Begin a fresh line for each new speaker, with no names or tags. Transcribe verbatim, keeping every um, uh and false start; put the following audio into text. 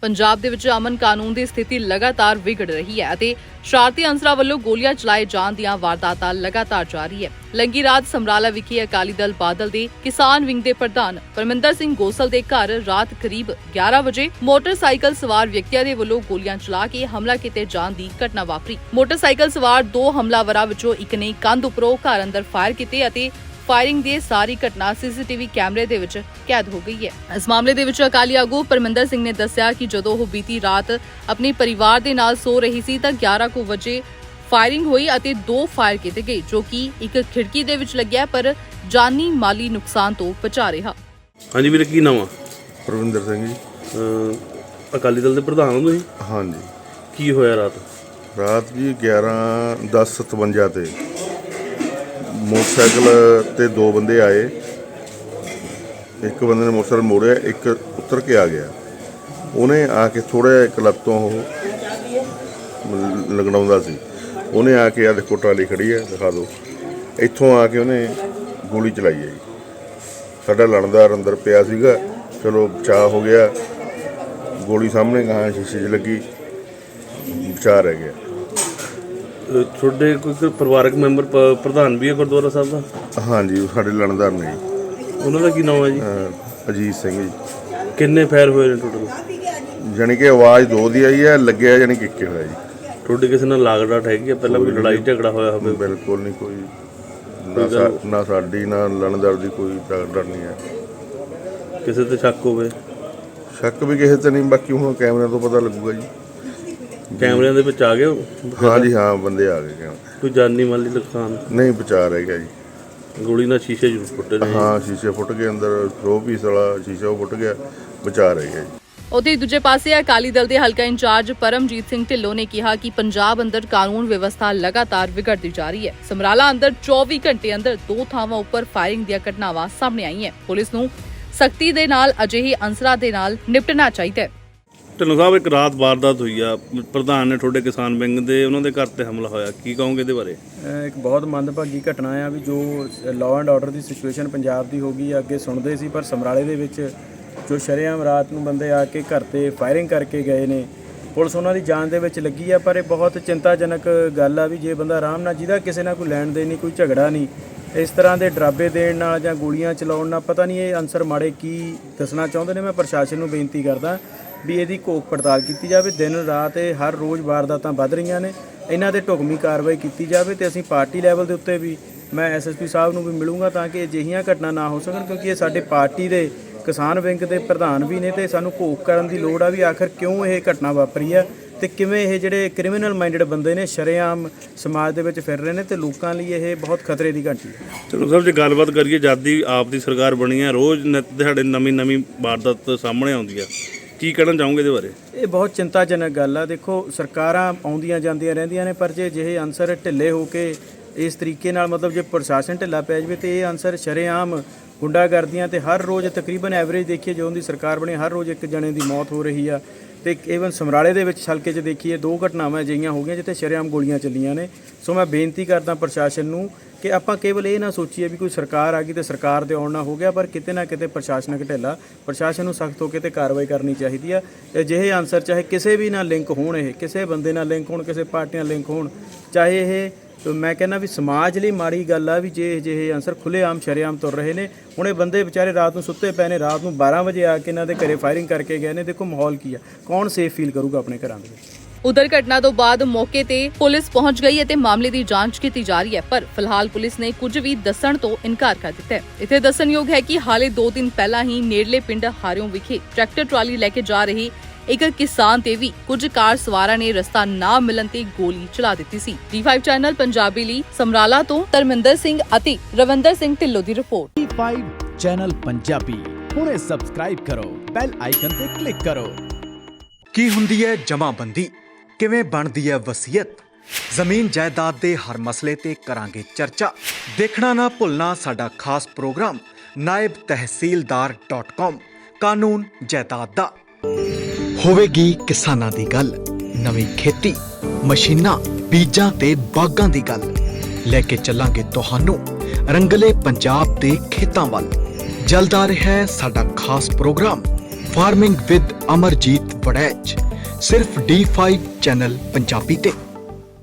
ਪੰਜਾਬ ਦੇ ਵਿੱਚ ਅਮਨ ਕਾਨੂੰਨ ਦੀ ਸਥਿਤੀ ਲਗਾਤਾਰ ਵਿਗੜ ਰਹੀ ਹੈ ਅਤੇ ਸ਼ਰਾਰਤੀ ਅੰਸਰਾਂ ਵੱਲੋਂ ਗੋਲੀਆਂ ਚਲਾਏ ਜਾਣ ਦੀਆਂ ਵਾਰਦਾਤਾਂ ਲਗਾਤਾਰ ਜਾਰੀ ਹੈ। ਲੰਗੀ ਰਾਤ ਸਮਰਾਲਾ ਵਿਖੇ ਅਕਾਲੀ ਦਲ ਬਾਦਲ ਦੇ ਕਿਸਾਨ ਵਿੰਗ ਦੇ ਪ੍ਰਧਾਨ ਪਰਮਿੰਦਰ ਸਿੰਘ ਗੋਸਲ ਦੇ ਘਰ ਰਾਤ ਕਰੀਬ ਗਿਆਰਾਂ ਵਜੇ ਮੋਟਰਸਾਈਕਲ ਸਵਾਰ ਵਿਅਕਤੀਆਂ ਦੇ ਵੱਲੋਂ ਗੋਲੀਆਂ ਚਲਾ ਕੇ ਹਮਲਾ ਕੀਤੇ ਜਾਣ ਦੀ ਘਟਨਾ ਵਾਪਰੀ। ਮੋਟਰਸਾਈਕਲ ਸਵਾਰ ਦੋ ਹਮਲਾਵਰਾਂ ਵਿੱਚੋਂ ਇੱਕ ਨੇ ਕੰਧ ਉੱਪਰੋਂ ਘਰ ਅੰਦਰ ਫਾਇਰ ਕੀਤੇ ਅਤੇ ਫਾਇਰਿੰਗ ਦੀ ਸਾਰੀ ਘਟਨਾ ਸੀਸੀਟੀਵੀ ਕੈਮਰੇ ਦੇ ਵਿੱਚ ਕੈਦ ਹੋ ਗਈ ਹੈ। ਇਸ ਮਾਮਲੇ ਦੇ ਵਿੱਚ ਅਕਾਲੀ ਆਗੂ ਪਰਮਿੰਦਰ ਸਿੰਘ ਨੇ ਦੱਸਿਆ ਕਿ ਜਦੋਂ ਉਹ ਬੀਤੀ ਰਾਤ ਆਪਣੇ ਪਰਿਵਾਰ ਦੇ ਨਾਲ ਸੋ ਰਹੀ ਸੀ ਤਾਂ ਗਿਆਰਾਂ ਕੁ ਵਜੇ ਫਾਇਰਿੰਗ ਹੋਈ ਅਤੇ ਦੋ ਫਾਇਰ ਕੀਤੇ ਗਏ ਜੋ ਕਿ ਇੱਕ ਖਿੜਕੀ ਦੇ ਵਿੱਚ ਲੱਗਿਆ ਪਰ ਜਾਨੀ ਮਾਲੀ ਨੁਕਸਾਨ ਤੋਂ ਬਚਾ ਰਿਹਾ।
ਹਾਂਜੀ ਵੀਰੇ, ਕੀ ਨਾਮ ਆ?
ਪਰਵਿੰਦਰ ਸਿੰਘ ਜੀ।
ਅਹ ਅਕਾਲੀ ਦਲ ਦੇ ਪ੍ਰਧਾਨ ਹੋ ਤੁਸੀਂ?
ਹਾਂਜੀ।
ਕੀ ਹੋਇਆ ਰਾਤ?
ਰਾਤ ਜੀ ਗਿਆਰਾਂ ਦਸ ਸਤਵੰਜਾ ਤੇ ਮੋਟਰਸਾਈਕਲ ਤੇ ਦੋ ਬੰਦੇ ਆਏ। ਇੱਕ ਬੰਦੇ ਨੇ ਮੋਟਰਸਾਈਕਲ ਮੋੜਿਆ, ਇੱਕ ਉਤਰ ਕੇ ਆ ਗਿਆ। ਉਹਨੇ ਆ ਕੇ ਥੋੜ੍ਹਾ ਜਿਹਾ ਇੱਕ ਲੱਤ ਤੋਂ ਉਹ ਲੰਗੜਾਉਂਦਾ ਸੀ। ਉਹਨੇ ਆ ਕੇ ਆ ਦੇਖੋ ਟਰਾਲੀ ਖੜੀ ਹੈ, ਦਿਖਾ ਦਿਓ। ਇੱਥੋਂ ਆ ਕੇ ਉਹਨੇ ਗੋਲੀ ਚਲਾਈ ਹੈ ਜੀ। ਸਾਡਾ ਲਣਦਾਰ ਅੰਦਰ ਪਿਆ ਸੀਗਾ, ਚਲੋ ਬਚਾਅ ਹੋ ਗਿਆ। ਗੋਲੀ ਸਾਹਮਣੇ ਗਾਂ ਸ਼ੀਸ਼ੇ 'ਚ ਲੱਗੀ, ਬਚਾਅ ਰਹਿ ਗਿਆ।
ਅਹ ਤੁਹਾਡੇ ਕੋਈ ਪਰਿਵਾਰਕ ਮੈਂਬਰ ਪ- ਪ੍ਰਧਾਨ ਵੀ ਹੈ ਗੁਰਦੁਆਰਾ ਸਾਹਿਬ ਦਾ?
ਹਾਂਜੀ, ਉਹ ਸਾਡੇ ਲਣਦਾਰ ਨੇ ਜੀ।
ਉਹਨਾਂ ਦਾ ਕੀ ਨਾਮ ਹੈ ਜੀ?
ਅਹ ਅਜੀਤ ਸਿੰਘ ਜੀ।
ਕਿੰਨੇ ਫਾਇਰ ਹੋਏ ਨੇ ਟੋਟਲ?
ਜਾਣੀ ਕਿ ਆਵਾਜ਼ ਦੋ ਦੀ ਆਈ ਹੈ, ਲੱਗਿਆ ਜਾਣੀ ਕਿ ਇੱਕੇ ਹੋਇਆ ਜੀ।
ਤੁਹਾਡੇ ਕਿਸੇ ਨਾਲ ਲਾਗ ਡਾਟ ਹੈਗੀ ਆ? ਪਹਿਲਾਂ ਕੋਈ ਲੜਾਈ ਝਗੜਾ ਹੋਇਆ ਹੋਵੇ?
ਬਿਲਕੁਲ ਨਹੀਂ, ਕੋਈ ਨਾ ਸਾ- ਨਾ ਸਾਡੀ ਨਾ ਲਣਦਾਰ ਦੀ ਕੋਈ ਡਰ ਨਹੀਂ ਹੈ।
ਕਿਸੇ ਤੇ ਸ਼ੱਕ ਹੋਵੇ?
ਸ਼ੱਕ ਵੀ ਕਿਸੇ ਤੇ ਨਹੀਂ, ਬਾਕੀ ਹੁਣ ਕੈਮਰਿਆਂ ਤੋਂ ਪਤਾ ਲੱਗੂਗਾ ਜੀ।
ਕੈਮਰਿਆਂ ਦੇ ਵਿੱਚ ਆ ਗਏ ਹੋ?
ਹਾਂ ਜੀ, ਹਾਂ, ਬੰਦੇ ਆ ਗਏ ਕੈਮਰੇ।
ਕੋਈ ਜਾਨੀ ਮਾਲੀ ਨੁਕਸਾਨ?
ਨਹੀਂ, ਬਚਾ ਰਹਿ ਗਿਆ ਜੀ।
ਗੋਲੀ ਨਾਲ ਸ਼ੀਸ਼ੇ ਜ਼ਰੂਰ ਫੁੱਟੇ ਨੇ?
ਹਾਂ, ਸ਼ੀਸ਼ੇ ਫੁੱਟ ਗਏ, ਅੰਦਰ ਸ਼ੋ ਪੀਸ ਵਾਲਾ ਸ਼ੀਸ਼ਾ ਉਹ ਫੁੱਟ ਗਿਆ, ਬਚਾ ਰਹਿ ਗਿਆ ਜੀ।
ਉੱਥੇ ਦੂਜੇ ਪਾਸੇ ਅਕਾਲੀ ਦਲ ਦੇ ਹਲਕਾ ਇੰਚਾਰਜ ਪਰਮਜੀਤ ਸਿੰਘ ਢਿੱਲੋਂ ਨੇ ਕਿਹਾ ਕਿ ਪੰਜਾਬ ਅੰਦਰ ਕਾਨੂੰਨ ਵਿਵਸਥਾ ਲਗਾਤਾਰ ਵਿਗੜਦੀ ਜਾ ਰਹੀ ਹੈ। ਸਮਰਾਲਾ ਅੰਦਰ ਚੌਵੀ ਘੰਟੇ ਅੰਦਰ ਦੋ ਥਾਵਾਂ ਉੱਪਰ ਫਾਇਰਿੰਗ ਦੀਆਂ ਘਟਨਾਵਾਂ ਸਾਹਮਣੇ ਆਈਆਂ। ਪੁਲਿਸ ਨੂੰ ਸਖਤੀ ਦੇ ਨਾਲ ਅਜਿਹੇ ਅੰਸਰਾਂ ਦੇ ਨਾਲ ਨਿਪਟਣਾ ਚਾਹੀਦਾ ਹੈ।
ਢਿੱਲੋਂ ਸਾਹਿਬ, ਇੱਕ ਰਾਤ ਵਾਰਦਾਤ ਹੋਈ ਆ, ਪ੍ਰਧਾਨ ਨੇ ਤੁਹਾਡੇ ਕਿਸਾਨ ਵਿੰਗ ਦੇ, ਉਹਨਾਂ ਦੇ ਘਰ ਤੇ ਹਮਲਾ ਹੋਇਆ, ਕੀ ਕਹੋਗੇ ਇਹਦੇ ਬਾਰੇ?
ਇੱਕ ਬਹੁਤ ਮੰਦਭਾਗੀ ਘਟਨਾ ਆ ਵੀ ਜੋ ਲਾਅ ਐਂਡ ਆਰਡਰ ਦੀ ਸਿਚੁਏਸ਼ਨ ਪੰਜਾਬ ਦੀ ਹੋ ਗਈ ਆ। ਅੱਗੇ ਸੁਣਦੇ ਸੀ, ਪਰ ਸਮਰਾਲੇ ਦੇ ਵਿੱਚ ਜੋ ਸ਼ਰੇਆਮ ਰਾਤ ਨੂੰ ਬੰਦੇ ਆ ਕੇ ਘਰ ਤੇ ਫਾਇਰਿੰਗ ਕਰਕੇ ਗਏ ਨੇ। ਪੁਲਿਸ ਉਹਨਾਂ ਦੀ ਜਾਨ ਦੇ ਵਿੱਚ ਲੱਗੀ ਆ, ਪਰ ਇਹ ਬਹੁਤ ਚਿੰਤਾਜਨਕ ਗੱਲ ਆ ਵੀ ਜੇ ਬੰਦਾ ਆਰਾਮ ਨਾਲ, ਜਿਹਦਾ ਕਿਸੇ ਨਾਲ ਕੋਈ ਲੈਣ ਦੇਣ ਨਹੀਂ, ਕੋਈ ਝਗੜਾ ਨਹੀਂ, ਇਸ ਤਰ੍ਹਾਂ ਦੇ ਡਰਾਬੇ ਦੇਣ ਨਾਲ ਜਾਂ ਗੋਲੀਆਂ ਚਲਾਉਣ ਨਾਲ ਪਤਾ ਨਹੀਂ ਇਹ ਅਨਸਰ ਮਾੜੇ ਕੀ ਦੱਸਣਾ ਚਾਹੁੰਦੇ ਨੇ। ਮੈਂ ਪ੍ਰਸ਼ਾਸਨ ਨੂੰ ਬੇਨਤੀ ਕਰਦਾ ਵੀ ਇਹਦੀ ਘੋਖ ਪੜਤਾਲ ਕੀਤੀ ਜਾਵੇ। ਦਿਨ ਰਾਤ ਇਹ ਹਰ ਰੋਜ਼ ਵਾਰਦਾਤਾਂ ਵੱਧ ਰਹੀਆਂ ਨੇ, ਇਹਨਾਂ ਦੇ ਢੁਕਵੀਂ ਕਾਰਵਾਈ ਕੀਤੀ ਜਾਵੇ। ਤੇ ਅਸੀਂ ਪਾਰਟੀ ਲੈਵਲ ਦੇ ਉੱਤੇ ਵੀ ਮੈਂ ਐਸ ਐਸ ਪੀ ਸਾਹਿਬ ਨੂੰ ਵੀ ਮਿਲੂੰਗਾ ਤਾਂ ਕਿ ਅਜਿਹੀਆਂ ਘਟਨਾ ਨਾ ਹੋ ਸਕਣ, ਕਿਉਂਕਿ ਇਹ ਸਾਡੇ ਪਾਰਟੀ ਦੇ ਕਿਸਾਨ ਵਿੰਗ ਦੇ ਪ੍ਰਧਾਨ ਵੀ ਨੇ ਤੇ ਸਾਨੂੰ ਘੋਖ ਕਰਨ ਦੀ ਲੋੜ ਆ ਵੀ ਆਖਰ ਕਿਉਂ ਇਹ ਘਟਨਾ ਵਾਪਰੀ ਆ ਤੇ ਕਿਵੇਂ ਇਹ ਜਿਹੜੇ ਕ੍ਰਿਮੀਨਲ ਮਾਈਂਡਡ ਬੰਦੇ ਨੇ ਸ਼ਰੇਆਮ ਸਮਾਜ ਦੇ ਵਿੱਚ ਫਿਰ ਰਹੇ ਨੇ ਤੇ ਲੋਕਾਂ ਲਈ ਇਹ ਬਹੁਤ ਖਤਰੇ ਦੀ ਘੰਟੀ ਹੈ।
ਚਲੋ ਸਰ, ਜੇ ਗੱਲਬਾਤ ਕਰੀਏ, ਜਦ ਦੀ ਆਪ ਦੀ ਸਰਕਾਰ ਬਣੀ ਹੈ, ਰੋਜ਼ ਨਿੱਤ ਦਿਹਾੜੇ ਨਵੀਂ ਨਵੀਂ ਵਾਰਦਾਤ ਸਾਹਮਣੇ ਆਉਂਦੀ ਆ, ਕੀ ਕਹਿਣਾ ਚਾਹੋਗੇ ਇਹਦੇ ਬਾਰੇ?
ਇਹ ਬਹੁਤ ਚਿੰਤਾਜਨਕ ਗੱਲ ਆ। ਦੇਖੋ, ਸਰਕਾਰਾਂ ਆਉਂਦੀਆਂ ਜਾਂਦੀਆਂ ਰਹਿੰਦੀਆਂ ਨੇ, ਪਰ ਜੇ ਜਿਹੇ ਅਨਸਰ ਢਿੱਲੇ ਹੋ ਕੇ ਇਸ ਤਰੀਕੇ ਨਾਲ, ਮਤਲਬ ਜੇ ਪ੍ਰਸ਼ਾਸਨ ਢਿੱਲਾ ਪੈ ਜਾਵੇ ਤੇ ਇਹ ਅਨਸਰ ਸ਼ਰੇਆਮ ਗੁੰਡਾਗਰਦੀਆਂ ਤੇ ਹਰ ਰੋਜ਼ ਤਕਰੀਬਨ ਐਵਰੇਜ ਦੇਖੀਏ ਜਦੋਂ ਦੀ ਸਰਕਾਰ ਬਣੀ ਹਰ ਰੋਜ਼ ਇੱਕ ਜਣੇ ਦੀ ਮੌਤ ਹੋ ਰਹੀ ਆ। ਤੇ ਈਵਨ ਸਮਰਾਲੇ ਦੇ ਵਿੱਚ ਹਲਕੇ 'ਚ ਦੇਖੀਏ ਦੋ ਘਟਨਾਵਾਂ ਅਜਿਹੀਆਂ ਹੋ ਗਈਆਂ ਜਿੱਥੇ ਸ਼ਰੇਆਮ ਗੋਲੀਆਂ ਚੱਲੀਆਂ ਨੇ। ਸੋ ਮੈਂ ਬੇਨਤੀ ਕਰਦਾ ਪ੍ਰਸ਼ਾਸਨ ਨੂੰ ਕਿ ਆਪਾਂ ਕੇਵਲ ਇਹ ਨਾ ਸੋਚੀਏ ਵੀ ਕੋਈ ਸਰਕਾਰ ਆ ਗਈ ਤੇ ਸਰਕਾਰ ਦੇ ਆਉਣ ਨਾਲ ਹੋ ਗਿਆ, ਪਰ ਕਿਤੇ ਨਾ ਕਿਤੇ ਪ੍ਰਸ਼ਾਸਨਿਕ ਢਿੱਲਾ, ਪ੍ਰਸ਼ਾਸਨ ਨੂੰ ਸਖਤ ਹੋ ਕੇ ਤੇ ਕਾਰਵਾਈ ਕਰਨੀ ਚਾਹੀਦੀ ਆ। ਅਜਿਹੇ ਅਨਸਰ ਚਾਹੇ ਕਿਸੇ ਵੀ ਨਾਲ ਲਿੰਕ ਹੋਣ, ਇਹ ਕਿਸੇ ਬੰਦੇ ਨਾਲ ਲਿੰਕ ਹੋਣ, ਕਿਸੇ ਪਾਰਟੀ ਨਾਲ ਲਿੰਕ ਹੋਣ, ਚਾਹੇ ਇਹ ਮੈਂ ਕਹਿੰਦਾ ਵੀ ਸਮਾਜ ਲਈ ਮਾੜੀ ਗੱਲ ਆ ਵੀ ਜੇ ਅਜਿਹੇ ਅਨਸਰ ਖੁੱਲ੍ਹੇਆਮ ਸ਼ਰੇਆਮ ਤੁਰ ਰਹੇ ਨੇ। ਹੁਣ ਇਹ ਬੰਦੇ ਵਿਚਾਰੇ ਰਾਤ ਨੂੰ ਸੁੱਤੇ ਪਏ ਨੇ, ਰਾਤ ਨੂੰ ਬਾਰਾਂ ਵਜੇ ਆ ਕੇ ਇਹਨਾਂ ਦੇ ਘਰੇ ਫਾਇਰਿੰਗ ਕਰਕੇ ਗਏ ਨੇ। ਦੇਖੋ ਮਾਹੌਲ ਕੀ ਆ, ਕੌਣ ਸੇਫ ਫੀਲ ਕਰੂਗਾ ਆਪਣੇ ਘਰਾਂ ਦੇ ਵਿੱਚ?
ਉਧਰ ਘਟਨਾ ਤੋਂ ਬਾਅਦ ਮੌਕੇ ਤੇ ਪੁਲਿਸ ਪਹੁੰਚ ਗਈ ਅਤੇ ਮਾਮਲੇ ਦੀ ਜਾਂਚ ਕੀਤੀ ਜਾ ਰਹੀ ਹੈ, ਪਰ ਫਿਲਹਾਲ ਪੁਲਿਸ ਨੇ ਕੁਝ ਵੀ ਦੱਸਣ ਤੋਂ ਇਨਕਾਰ ਕਰ ਦਿੱਤਾ ਹੈ। ਇੱਥੇ ਦੱਸਣਯੋਗ ਹੈ ਕਿ ਹਾਲੇ ਦੋ ਦਿਨ ਪਹਿਲਾਂ ਹੀ ਨੇੜਲੇ ਪਿੰਡ ਹਾਰਿਓਂ ਵਿਖੇ ਟਰੈਕਟਰ ਟਰਾਲੀ ਲੈ ਕੇ ਜਾ ਰਹੀ ਇੱਕ ਕਿਸਾਨ ਤੇ ਵੀ ਕੁਝ ਕਾਰ ਸਵਾਰਾਂ ਨੇ ਰਸਤਾ ਨਾ ਮਿਲਣ ਤੇ ਗੋਲੀ ਚਲਾ ਦਿੱਤੀ ਸੀ। ਡੀ ਫਾਈਵ ਚੈਨਲ ਪੰਜਾਬੀ ਲਈ ਸਮਰਾਲਾ ਤੋਂ ਧਰਮਿੰਦਰ ਸਿੰਘ ਅਤੇ ਰਵਿੰਦਰ ਸਿੰਘ ਢਿੱਲੋਂ ਦੀ report.
D five channel Punjabi ਹੁਣੇ ਸਬਸਕ੍ਰਾਈਬ ਕਰੋ, ਬੈਲ ਆਈਕਨ ਤੇ ਕਲਿੱਕ ਕਰੋ।
ਕੀ ਹੁੰਦੀ ਹੈ ਜਮਾਬੰਦੀ, ਕਿਵੇਂ ਬਣਦੀ ਹੈ ਵਸੀਅਤ, ਜ਼ਮੀਨ ਜਾਇਦਾਦ ਦੇ ਹਰ ਮਸਲੇ ਤੇ ਕਰਾਂਗੇ ਚਰਚਾ। ਦੇਖਣਾ ਨਾ ਭੁੱਲਣਾ ਸਾਡਾ ਖਾਸ ਪ੍ਰੋਗਰਾਮ ਨਾਇਬ ਤਹਿਸੀਲਦਾਰ ਡਾਟ ਕਾਮ ਕਾਨੂੰਨ ਜਾਇਦਾਦ ਦਾ। ਹੋਵੇਗੀ ਕਿਸਾਨਾਂ ਦੀ ਗੱਲ, ਨਵੀਂ ਖੇਤੀ, ਮਸ਼ੀਨਾਂ, ਬੀਜਾਂ ਤੇ ਬਾਗਾਂ ਦੀ ਗੱਲ। ਲੈ ਕੇ ਚੱਲਾਂਗੇ ਤੁਹਾਨੂੰ ਰੰਗਲੇ ਪੰਜਾਬ ਦੇ ਖੇਤਾਂ ਵੱਲ। ਜਲਦ ਆ ਰਿਹਾ ਹੈ ਸਾਡਾ ਖਾਸ programme farming with Amarjeet Waraich, ਸਿਰਫ ਡੀ ਫਾਈਵ ਚੈਨਲ ਪੰਜਾਬੀ ਤੇ।